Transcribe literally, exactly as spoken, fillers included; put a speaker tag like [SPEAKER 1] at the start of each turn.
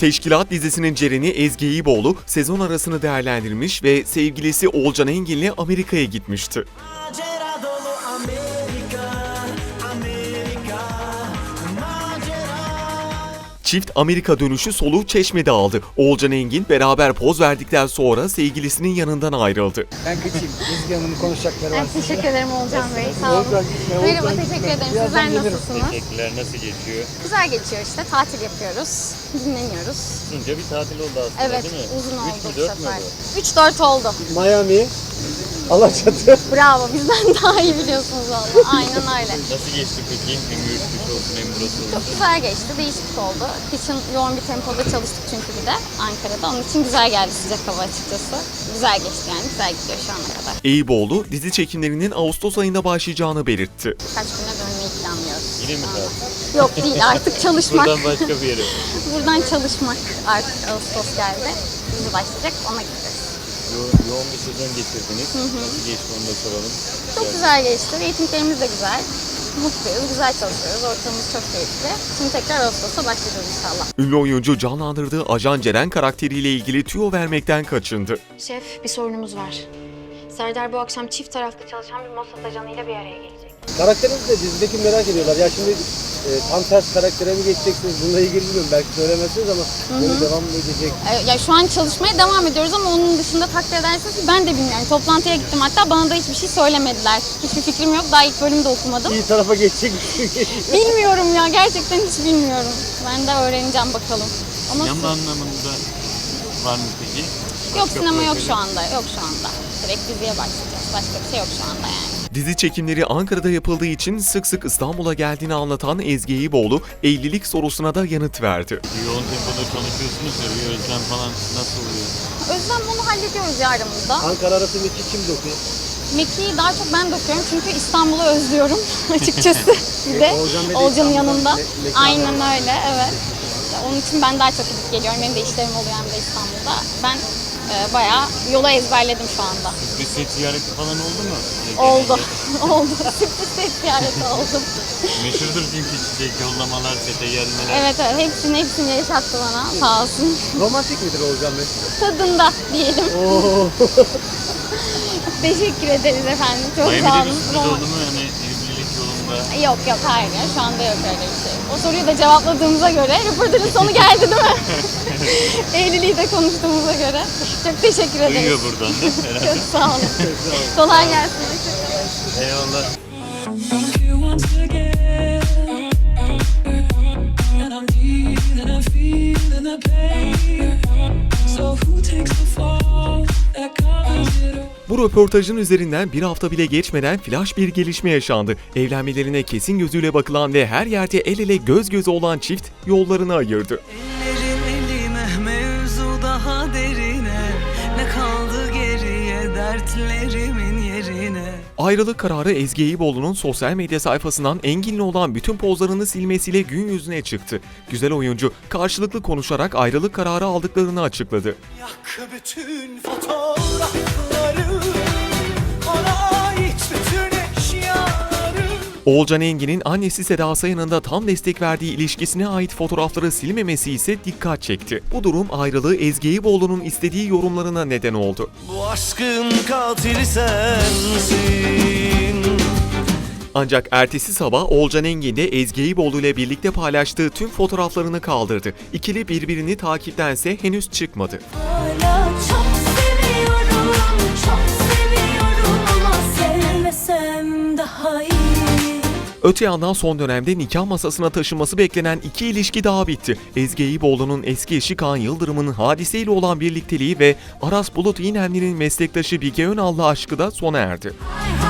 [SPEAKER 1] Teşkilat dizisinin Ceren'i Ezgi İboğlu sezon arasını değerlendirmiş ve sevgilisi Oğulcan Engin'le Amerika'ya gitmişti.
[SPEAKER 2] Macera dolu Amerika, Amerika, macera.
[SPEAKER 1] Çift Amerika dönüşü soluğu Çeşme'de aldı. Oğulcan Engin beraber poz verdikten sonra sevgilisinin yanından ayrıldı.
[SPEAKER 3] Ben kaçayım. Ezgi Hanım'ın konuşacakları var.
[SPEAKER 4] Ben teşekkür ederim Oğulcan Bey. Sağ olun.
[SPEAKER 3] Oğulcan gitme, Oğulcan
[SPEAKER 4] Merhaba,
[SPEAKER 3] gitme.
[SPEAKER 4] teşekkür ederim.
[SPEAKER 3] Birazdan
[SPEAKER 4] Sizler
[SPEAKER 3] gelirim.
[SPEAKER 4] nasılsınız?
[SPEAKER 5] Teşekkürler. Nasıl geçiyor?
[SPEAKER 4] Güzel geçiyor işte. Tatil yapıyoruz. Dinleniyoruz.
[SPEAKER 5] Uzunca bir tatil oldu aslında,
[SPEAKER 4] Evet,
[SPEAKER 5] değil mi?
[SPEAKER 4] uzun
[SPEAKER 5] Üç
[SPEAKER 4] oldu
[SPEAKER 5] mü,
[SPEAKER 4] bu
[SPEAKER 5] dört mü
[SPEAKER 4] sefer.
[SPEAKER 5] oldu?
[SPEAKER 4] üç dört oldu.
[SPEAKER 3] Miami, Alaçatı.
[SPEAKER 4] Bravo, bizden daha iyi biliyorsunuz valla. Aynen öyle.
[SPEAKER 5] Nasıl geçti peki? Hem yürüyüşlük olsun hem burası olsun.
[SPEAKER 4] Çok güzel geçti, değişiklik oldu. Kışın yoğun bir tempoda çalıştık çünkü bir de Ankara'da. Onun için güzel geldi sıcak hava açıkçası. Güzel geçti yani, güzel gidiyor şu ana kadar.
[SPEAKER 1] İboğlu dizi çekimlerinin Ağustos ayında başlayacağını belirtti.
[SPEAKER 4] Birkaç güne dönmeyi planlıyoruz.
[SPEAKER 5] Yine mi tatil?
[SPEAKER 4] Yok değil, artık çalışmak.
[SPEAKER 5] Buradan başka bir yere.
[SPEAKER 4] Buradan çalışmak artık Ağustos geldi. Dizi başlayacak, ona gideceğiz.
[SPEAKER 5] Yo yoğun bir sezon geçirdiniz. Nasıl geçti onu da soralım.
[SPEAKER 4] Çok güzel geçti. Reytinglerimiz de güzel. Mutluyuz, güzel çalışıyoruz. Ortamımız çok keyifli. Şimdi tekrar Ağustos'a başlayacağız inşallah.
[SPEAKER 1] Ünlü oyuncu canlandırdığı Ajan Ceren karakteriyle ilgili tüyo vermekten kaçındı.
[SPEAKER 6] Şef, bir sorunumuz var. Serdar bu akşam çift taraflı çalışan bir Mossad ajanıyla bir araya gelecek.
[SPEAKER 3] Karakterinizi de dizideki merak ediyorlar. Ya şimdi e, tam ters karaktere mi geçeceksiniz? Bununla ilgili bilmiyorum. Belki söylemezsiniz ama böyle devam mı edecek?
[SPEAKER 4] Ee, Ya şu an çalışmaya devam ediyoruz ama onun dışında takdir edersiniz ki ben de bilmiyorum. Toplantıya gittim hatta bana da hiçbir şey söylemediler. Hiçbir fikrim yok. Daha ilk bölümü de okumadım.
[SPEAKER 3] İyi tarafa geçecek mi?
[SPEAKER 4] Bilmiyorum ya, gerçekten hiç bilmiyorum. Ben de öğreneceğim bakalım. Ama
[SPEAKER 5] Yanma anlamında var mı peki?
[SPEAKER 4] yok,
[SPEAKER 5] Başka
[SPEAKER 4] sinema yok
[SPEAKER 5] projeler?
[SPEAKER 4] şu anda. Yok şu anda. Direkt diziye başlayacağız. Başka bir şey yok şu anda yani.
[SPEAKER 1] Dizi çekimleri Ankara'da yapıldığı için sık sık İstanbul'a geldiğini anlatan Ezgi İboğlu evlilik sorusuna da yanıt verdi.
[SPEAKER 5] Yoğun tempoda çalışıyorsunuz ya, bir özlem falan nasıl oluyor?
[SPEAKER 4] Özlem bunu hallediyoruz ya aramızda.
[SPEAKER 3] Ankara arası Mekki kim dokuyor?
[SPEAKER 4] Mekiği daha çok ben dokuyorum çünkü İstanbul'u özlüyorum açıkçası. Bir de
[SPEAKER 3] Oğulcan Bey de
[SPEAKER 4] Oğulcan'ın
[SPEAKER 3] İstanbul'da,
[SPEAKER 4] yanında.
[SPEAKER 3] me- mekanı
[SPEAKER 4] Aynen
[SPEAKER 3] var.
[SPEAKER 4] öyle, evet. İşte onun için ben daha çok gidip geliyorum. Benim de işlerim oluyor hem de İstanbul'da. Ben e, bayağı yola ezberledim şu anda.
[SPEAKER 5] Bir set ziyareti falan oldu mu?
[SPEAKER 4] Oldu. oldu. Sürpriz set ziyareti oldum.
[SPEAKER 5] Meşhurdur çünkü çiçek yollamalar, sete gelmeler.
[SPEAKER 4] Evet evet, hepsini hepsini yaşattı bana sağ olsun.
[SPEAKER 3] Romantik midir Oğulcan Bey?
[SPEAKER 4] Tadında diyelim.
[SPEAKER 3] Oo.
[SPEAKER 4] Teşekkür ederiz efendim. Çok sağ
[SPEAKER 5] Miami'de
[SPEAKER 4] olun.
[SPEAKER 5] bir sürpriz
[SPEAKER 4] Roman-
[SPEAKER 5] oldu mu? Yani evlilik yolunda.
[SPEAKER 4] Yok yok, hayır ya, şu anda yok öyle bir şey. O soruyu da cevapladığımıza göre röportajın sonu geldi değil mi? Evliliği de konuştuğumuza göre. Çok teşekkür ederiz.
[SPEAKER 5] Duyuyor buradan da herhalde.
[SPEAKER 4] Çok sağ olun. Kolay gelsin.
[SPEAKER 5] Eyvallah.
[SPEAKER 2] Thank you once again. And I'm deep and I'm feeling the pain. So who takes the fall that covers it all?
[SPEAKER 1] Bu röportajın üzerinden bir hafta bile geçmeden flash bir gelişme yaşandı. Evlenmelerine kesin gözüyle bakılan ve her yerde el ele göz göze olan çift yollarını ayırdı.
[SPEAKER 2] Ellerin elime, mevzu daha derine. Ne kaldı geriye dertlerimin yerine.
[SPEAKER 1] Ayrılık kararı Ezgi İboğlu'nun sosyal medya sayfasından Engin'le olan bütün pozlarını silmesiyle gün yüzüne çıktı. Güzel oyuncu karşılıklı konuşarak ayrılık kararı aldıklarını açıkladı.
[SPEAKER 2] Yak bütün fotoğrafları, ona ait bütün eşyaları.
[SPEAKER 1] Oğulcan Engin'in annesi Seda Sayan'ın da tam destek verdiği ilişkisine ait fotoğrafları silmemesi ise dikkat çekti. Bu durum ayrılığı Ezgi İboğlu'nun istediği yorumlarına neden oldu.
[SPEAKER 2] Bu aşkın katili sensin.
[SPEAKER 1] Ancak ertesi sabah Oğulcan Engin de Ezgi İboğlu ile birlikte paylaştığı tüm fotoğraflarını kaldırdı. İkili birbirini takiptense henüz çıkmadı.
[SPEAKER 7] Hala çok seviyorum, çok seviyorum ama sevmesem daha iyi.
[SPEAKER 1] Öte yandan son dönemde nikah masasına taşınması beklenen iki ilişki daha bitti. Ezgi İboğlu'nun eski eşi Kaan Yıldırım'ın hadiseyle olan birlikteliği ve Aras Bulut İynemli'nin meslektaşı Bige Önal'la aşkı da sona erdi.
[SPEAKER 7] Hay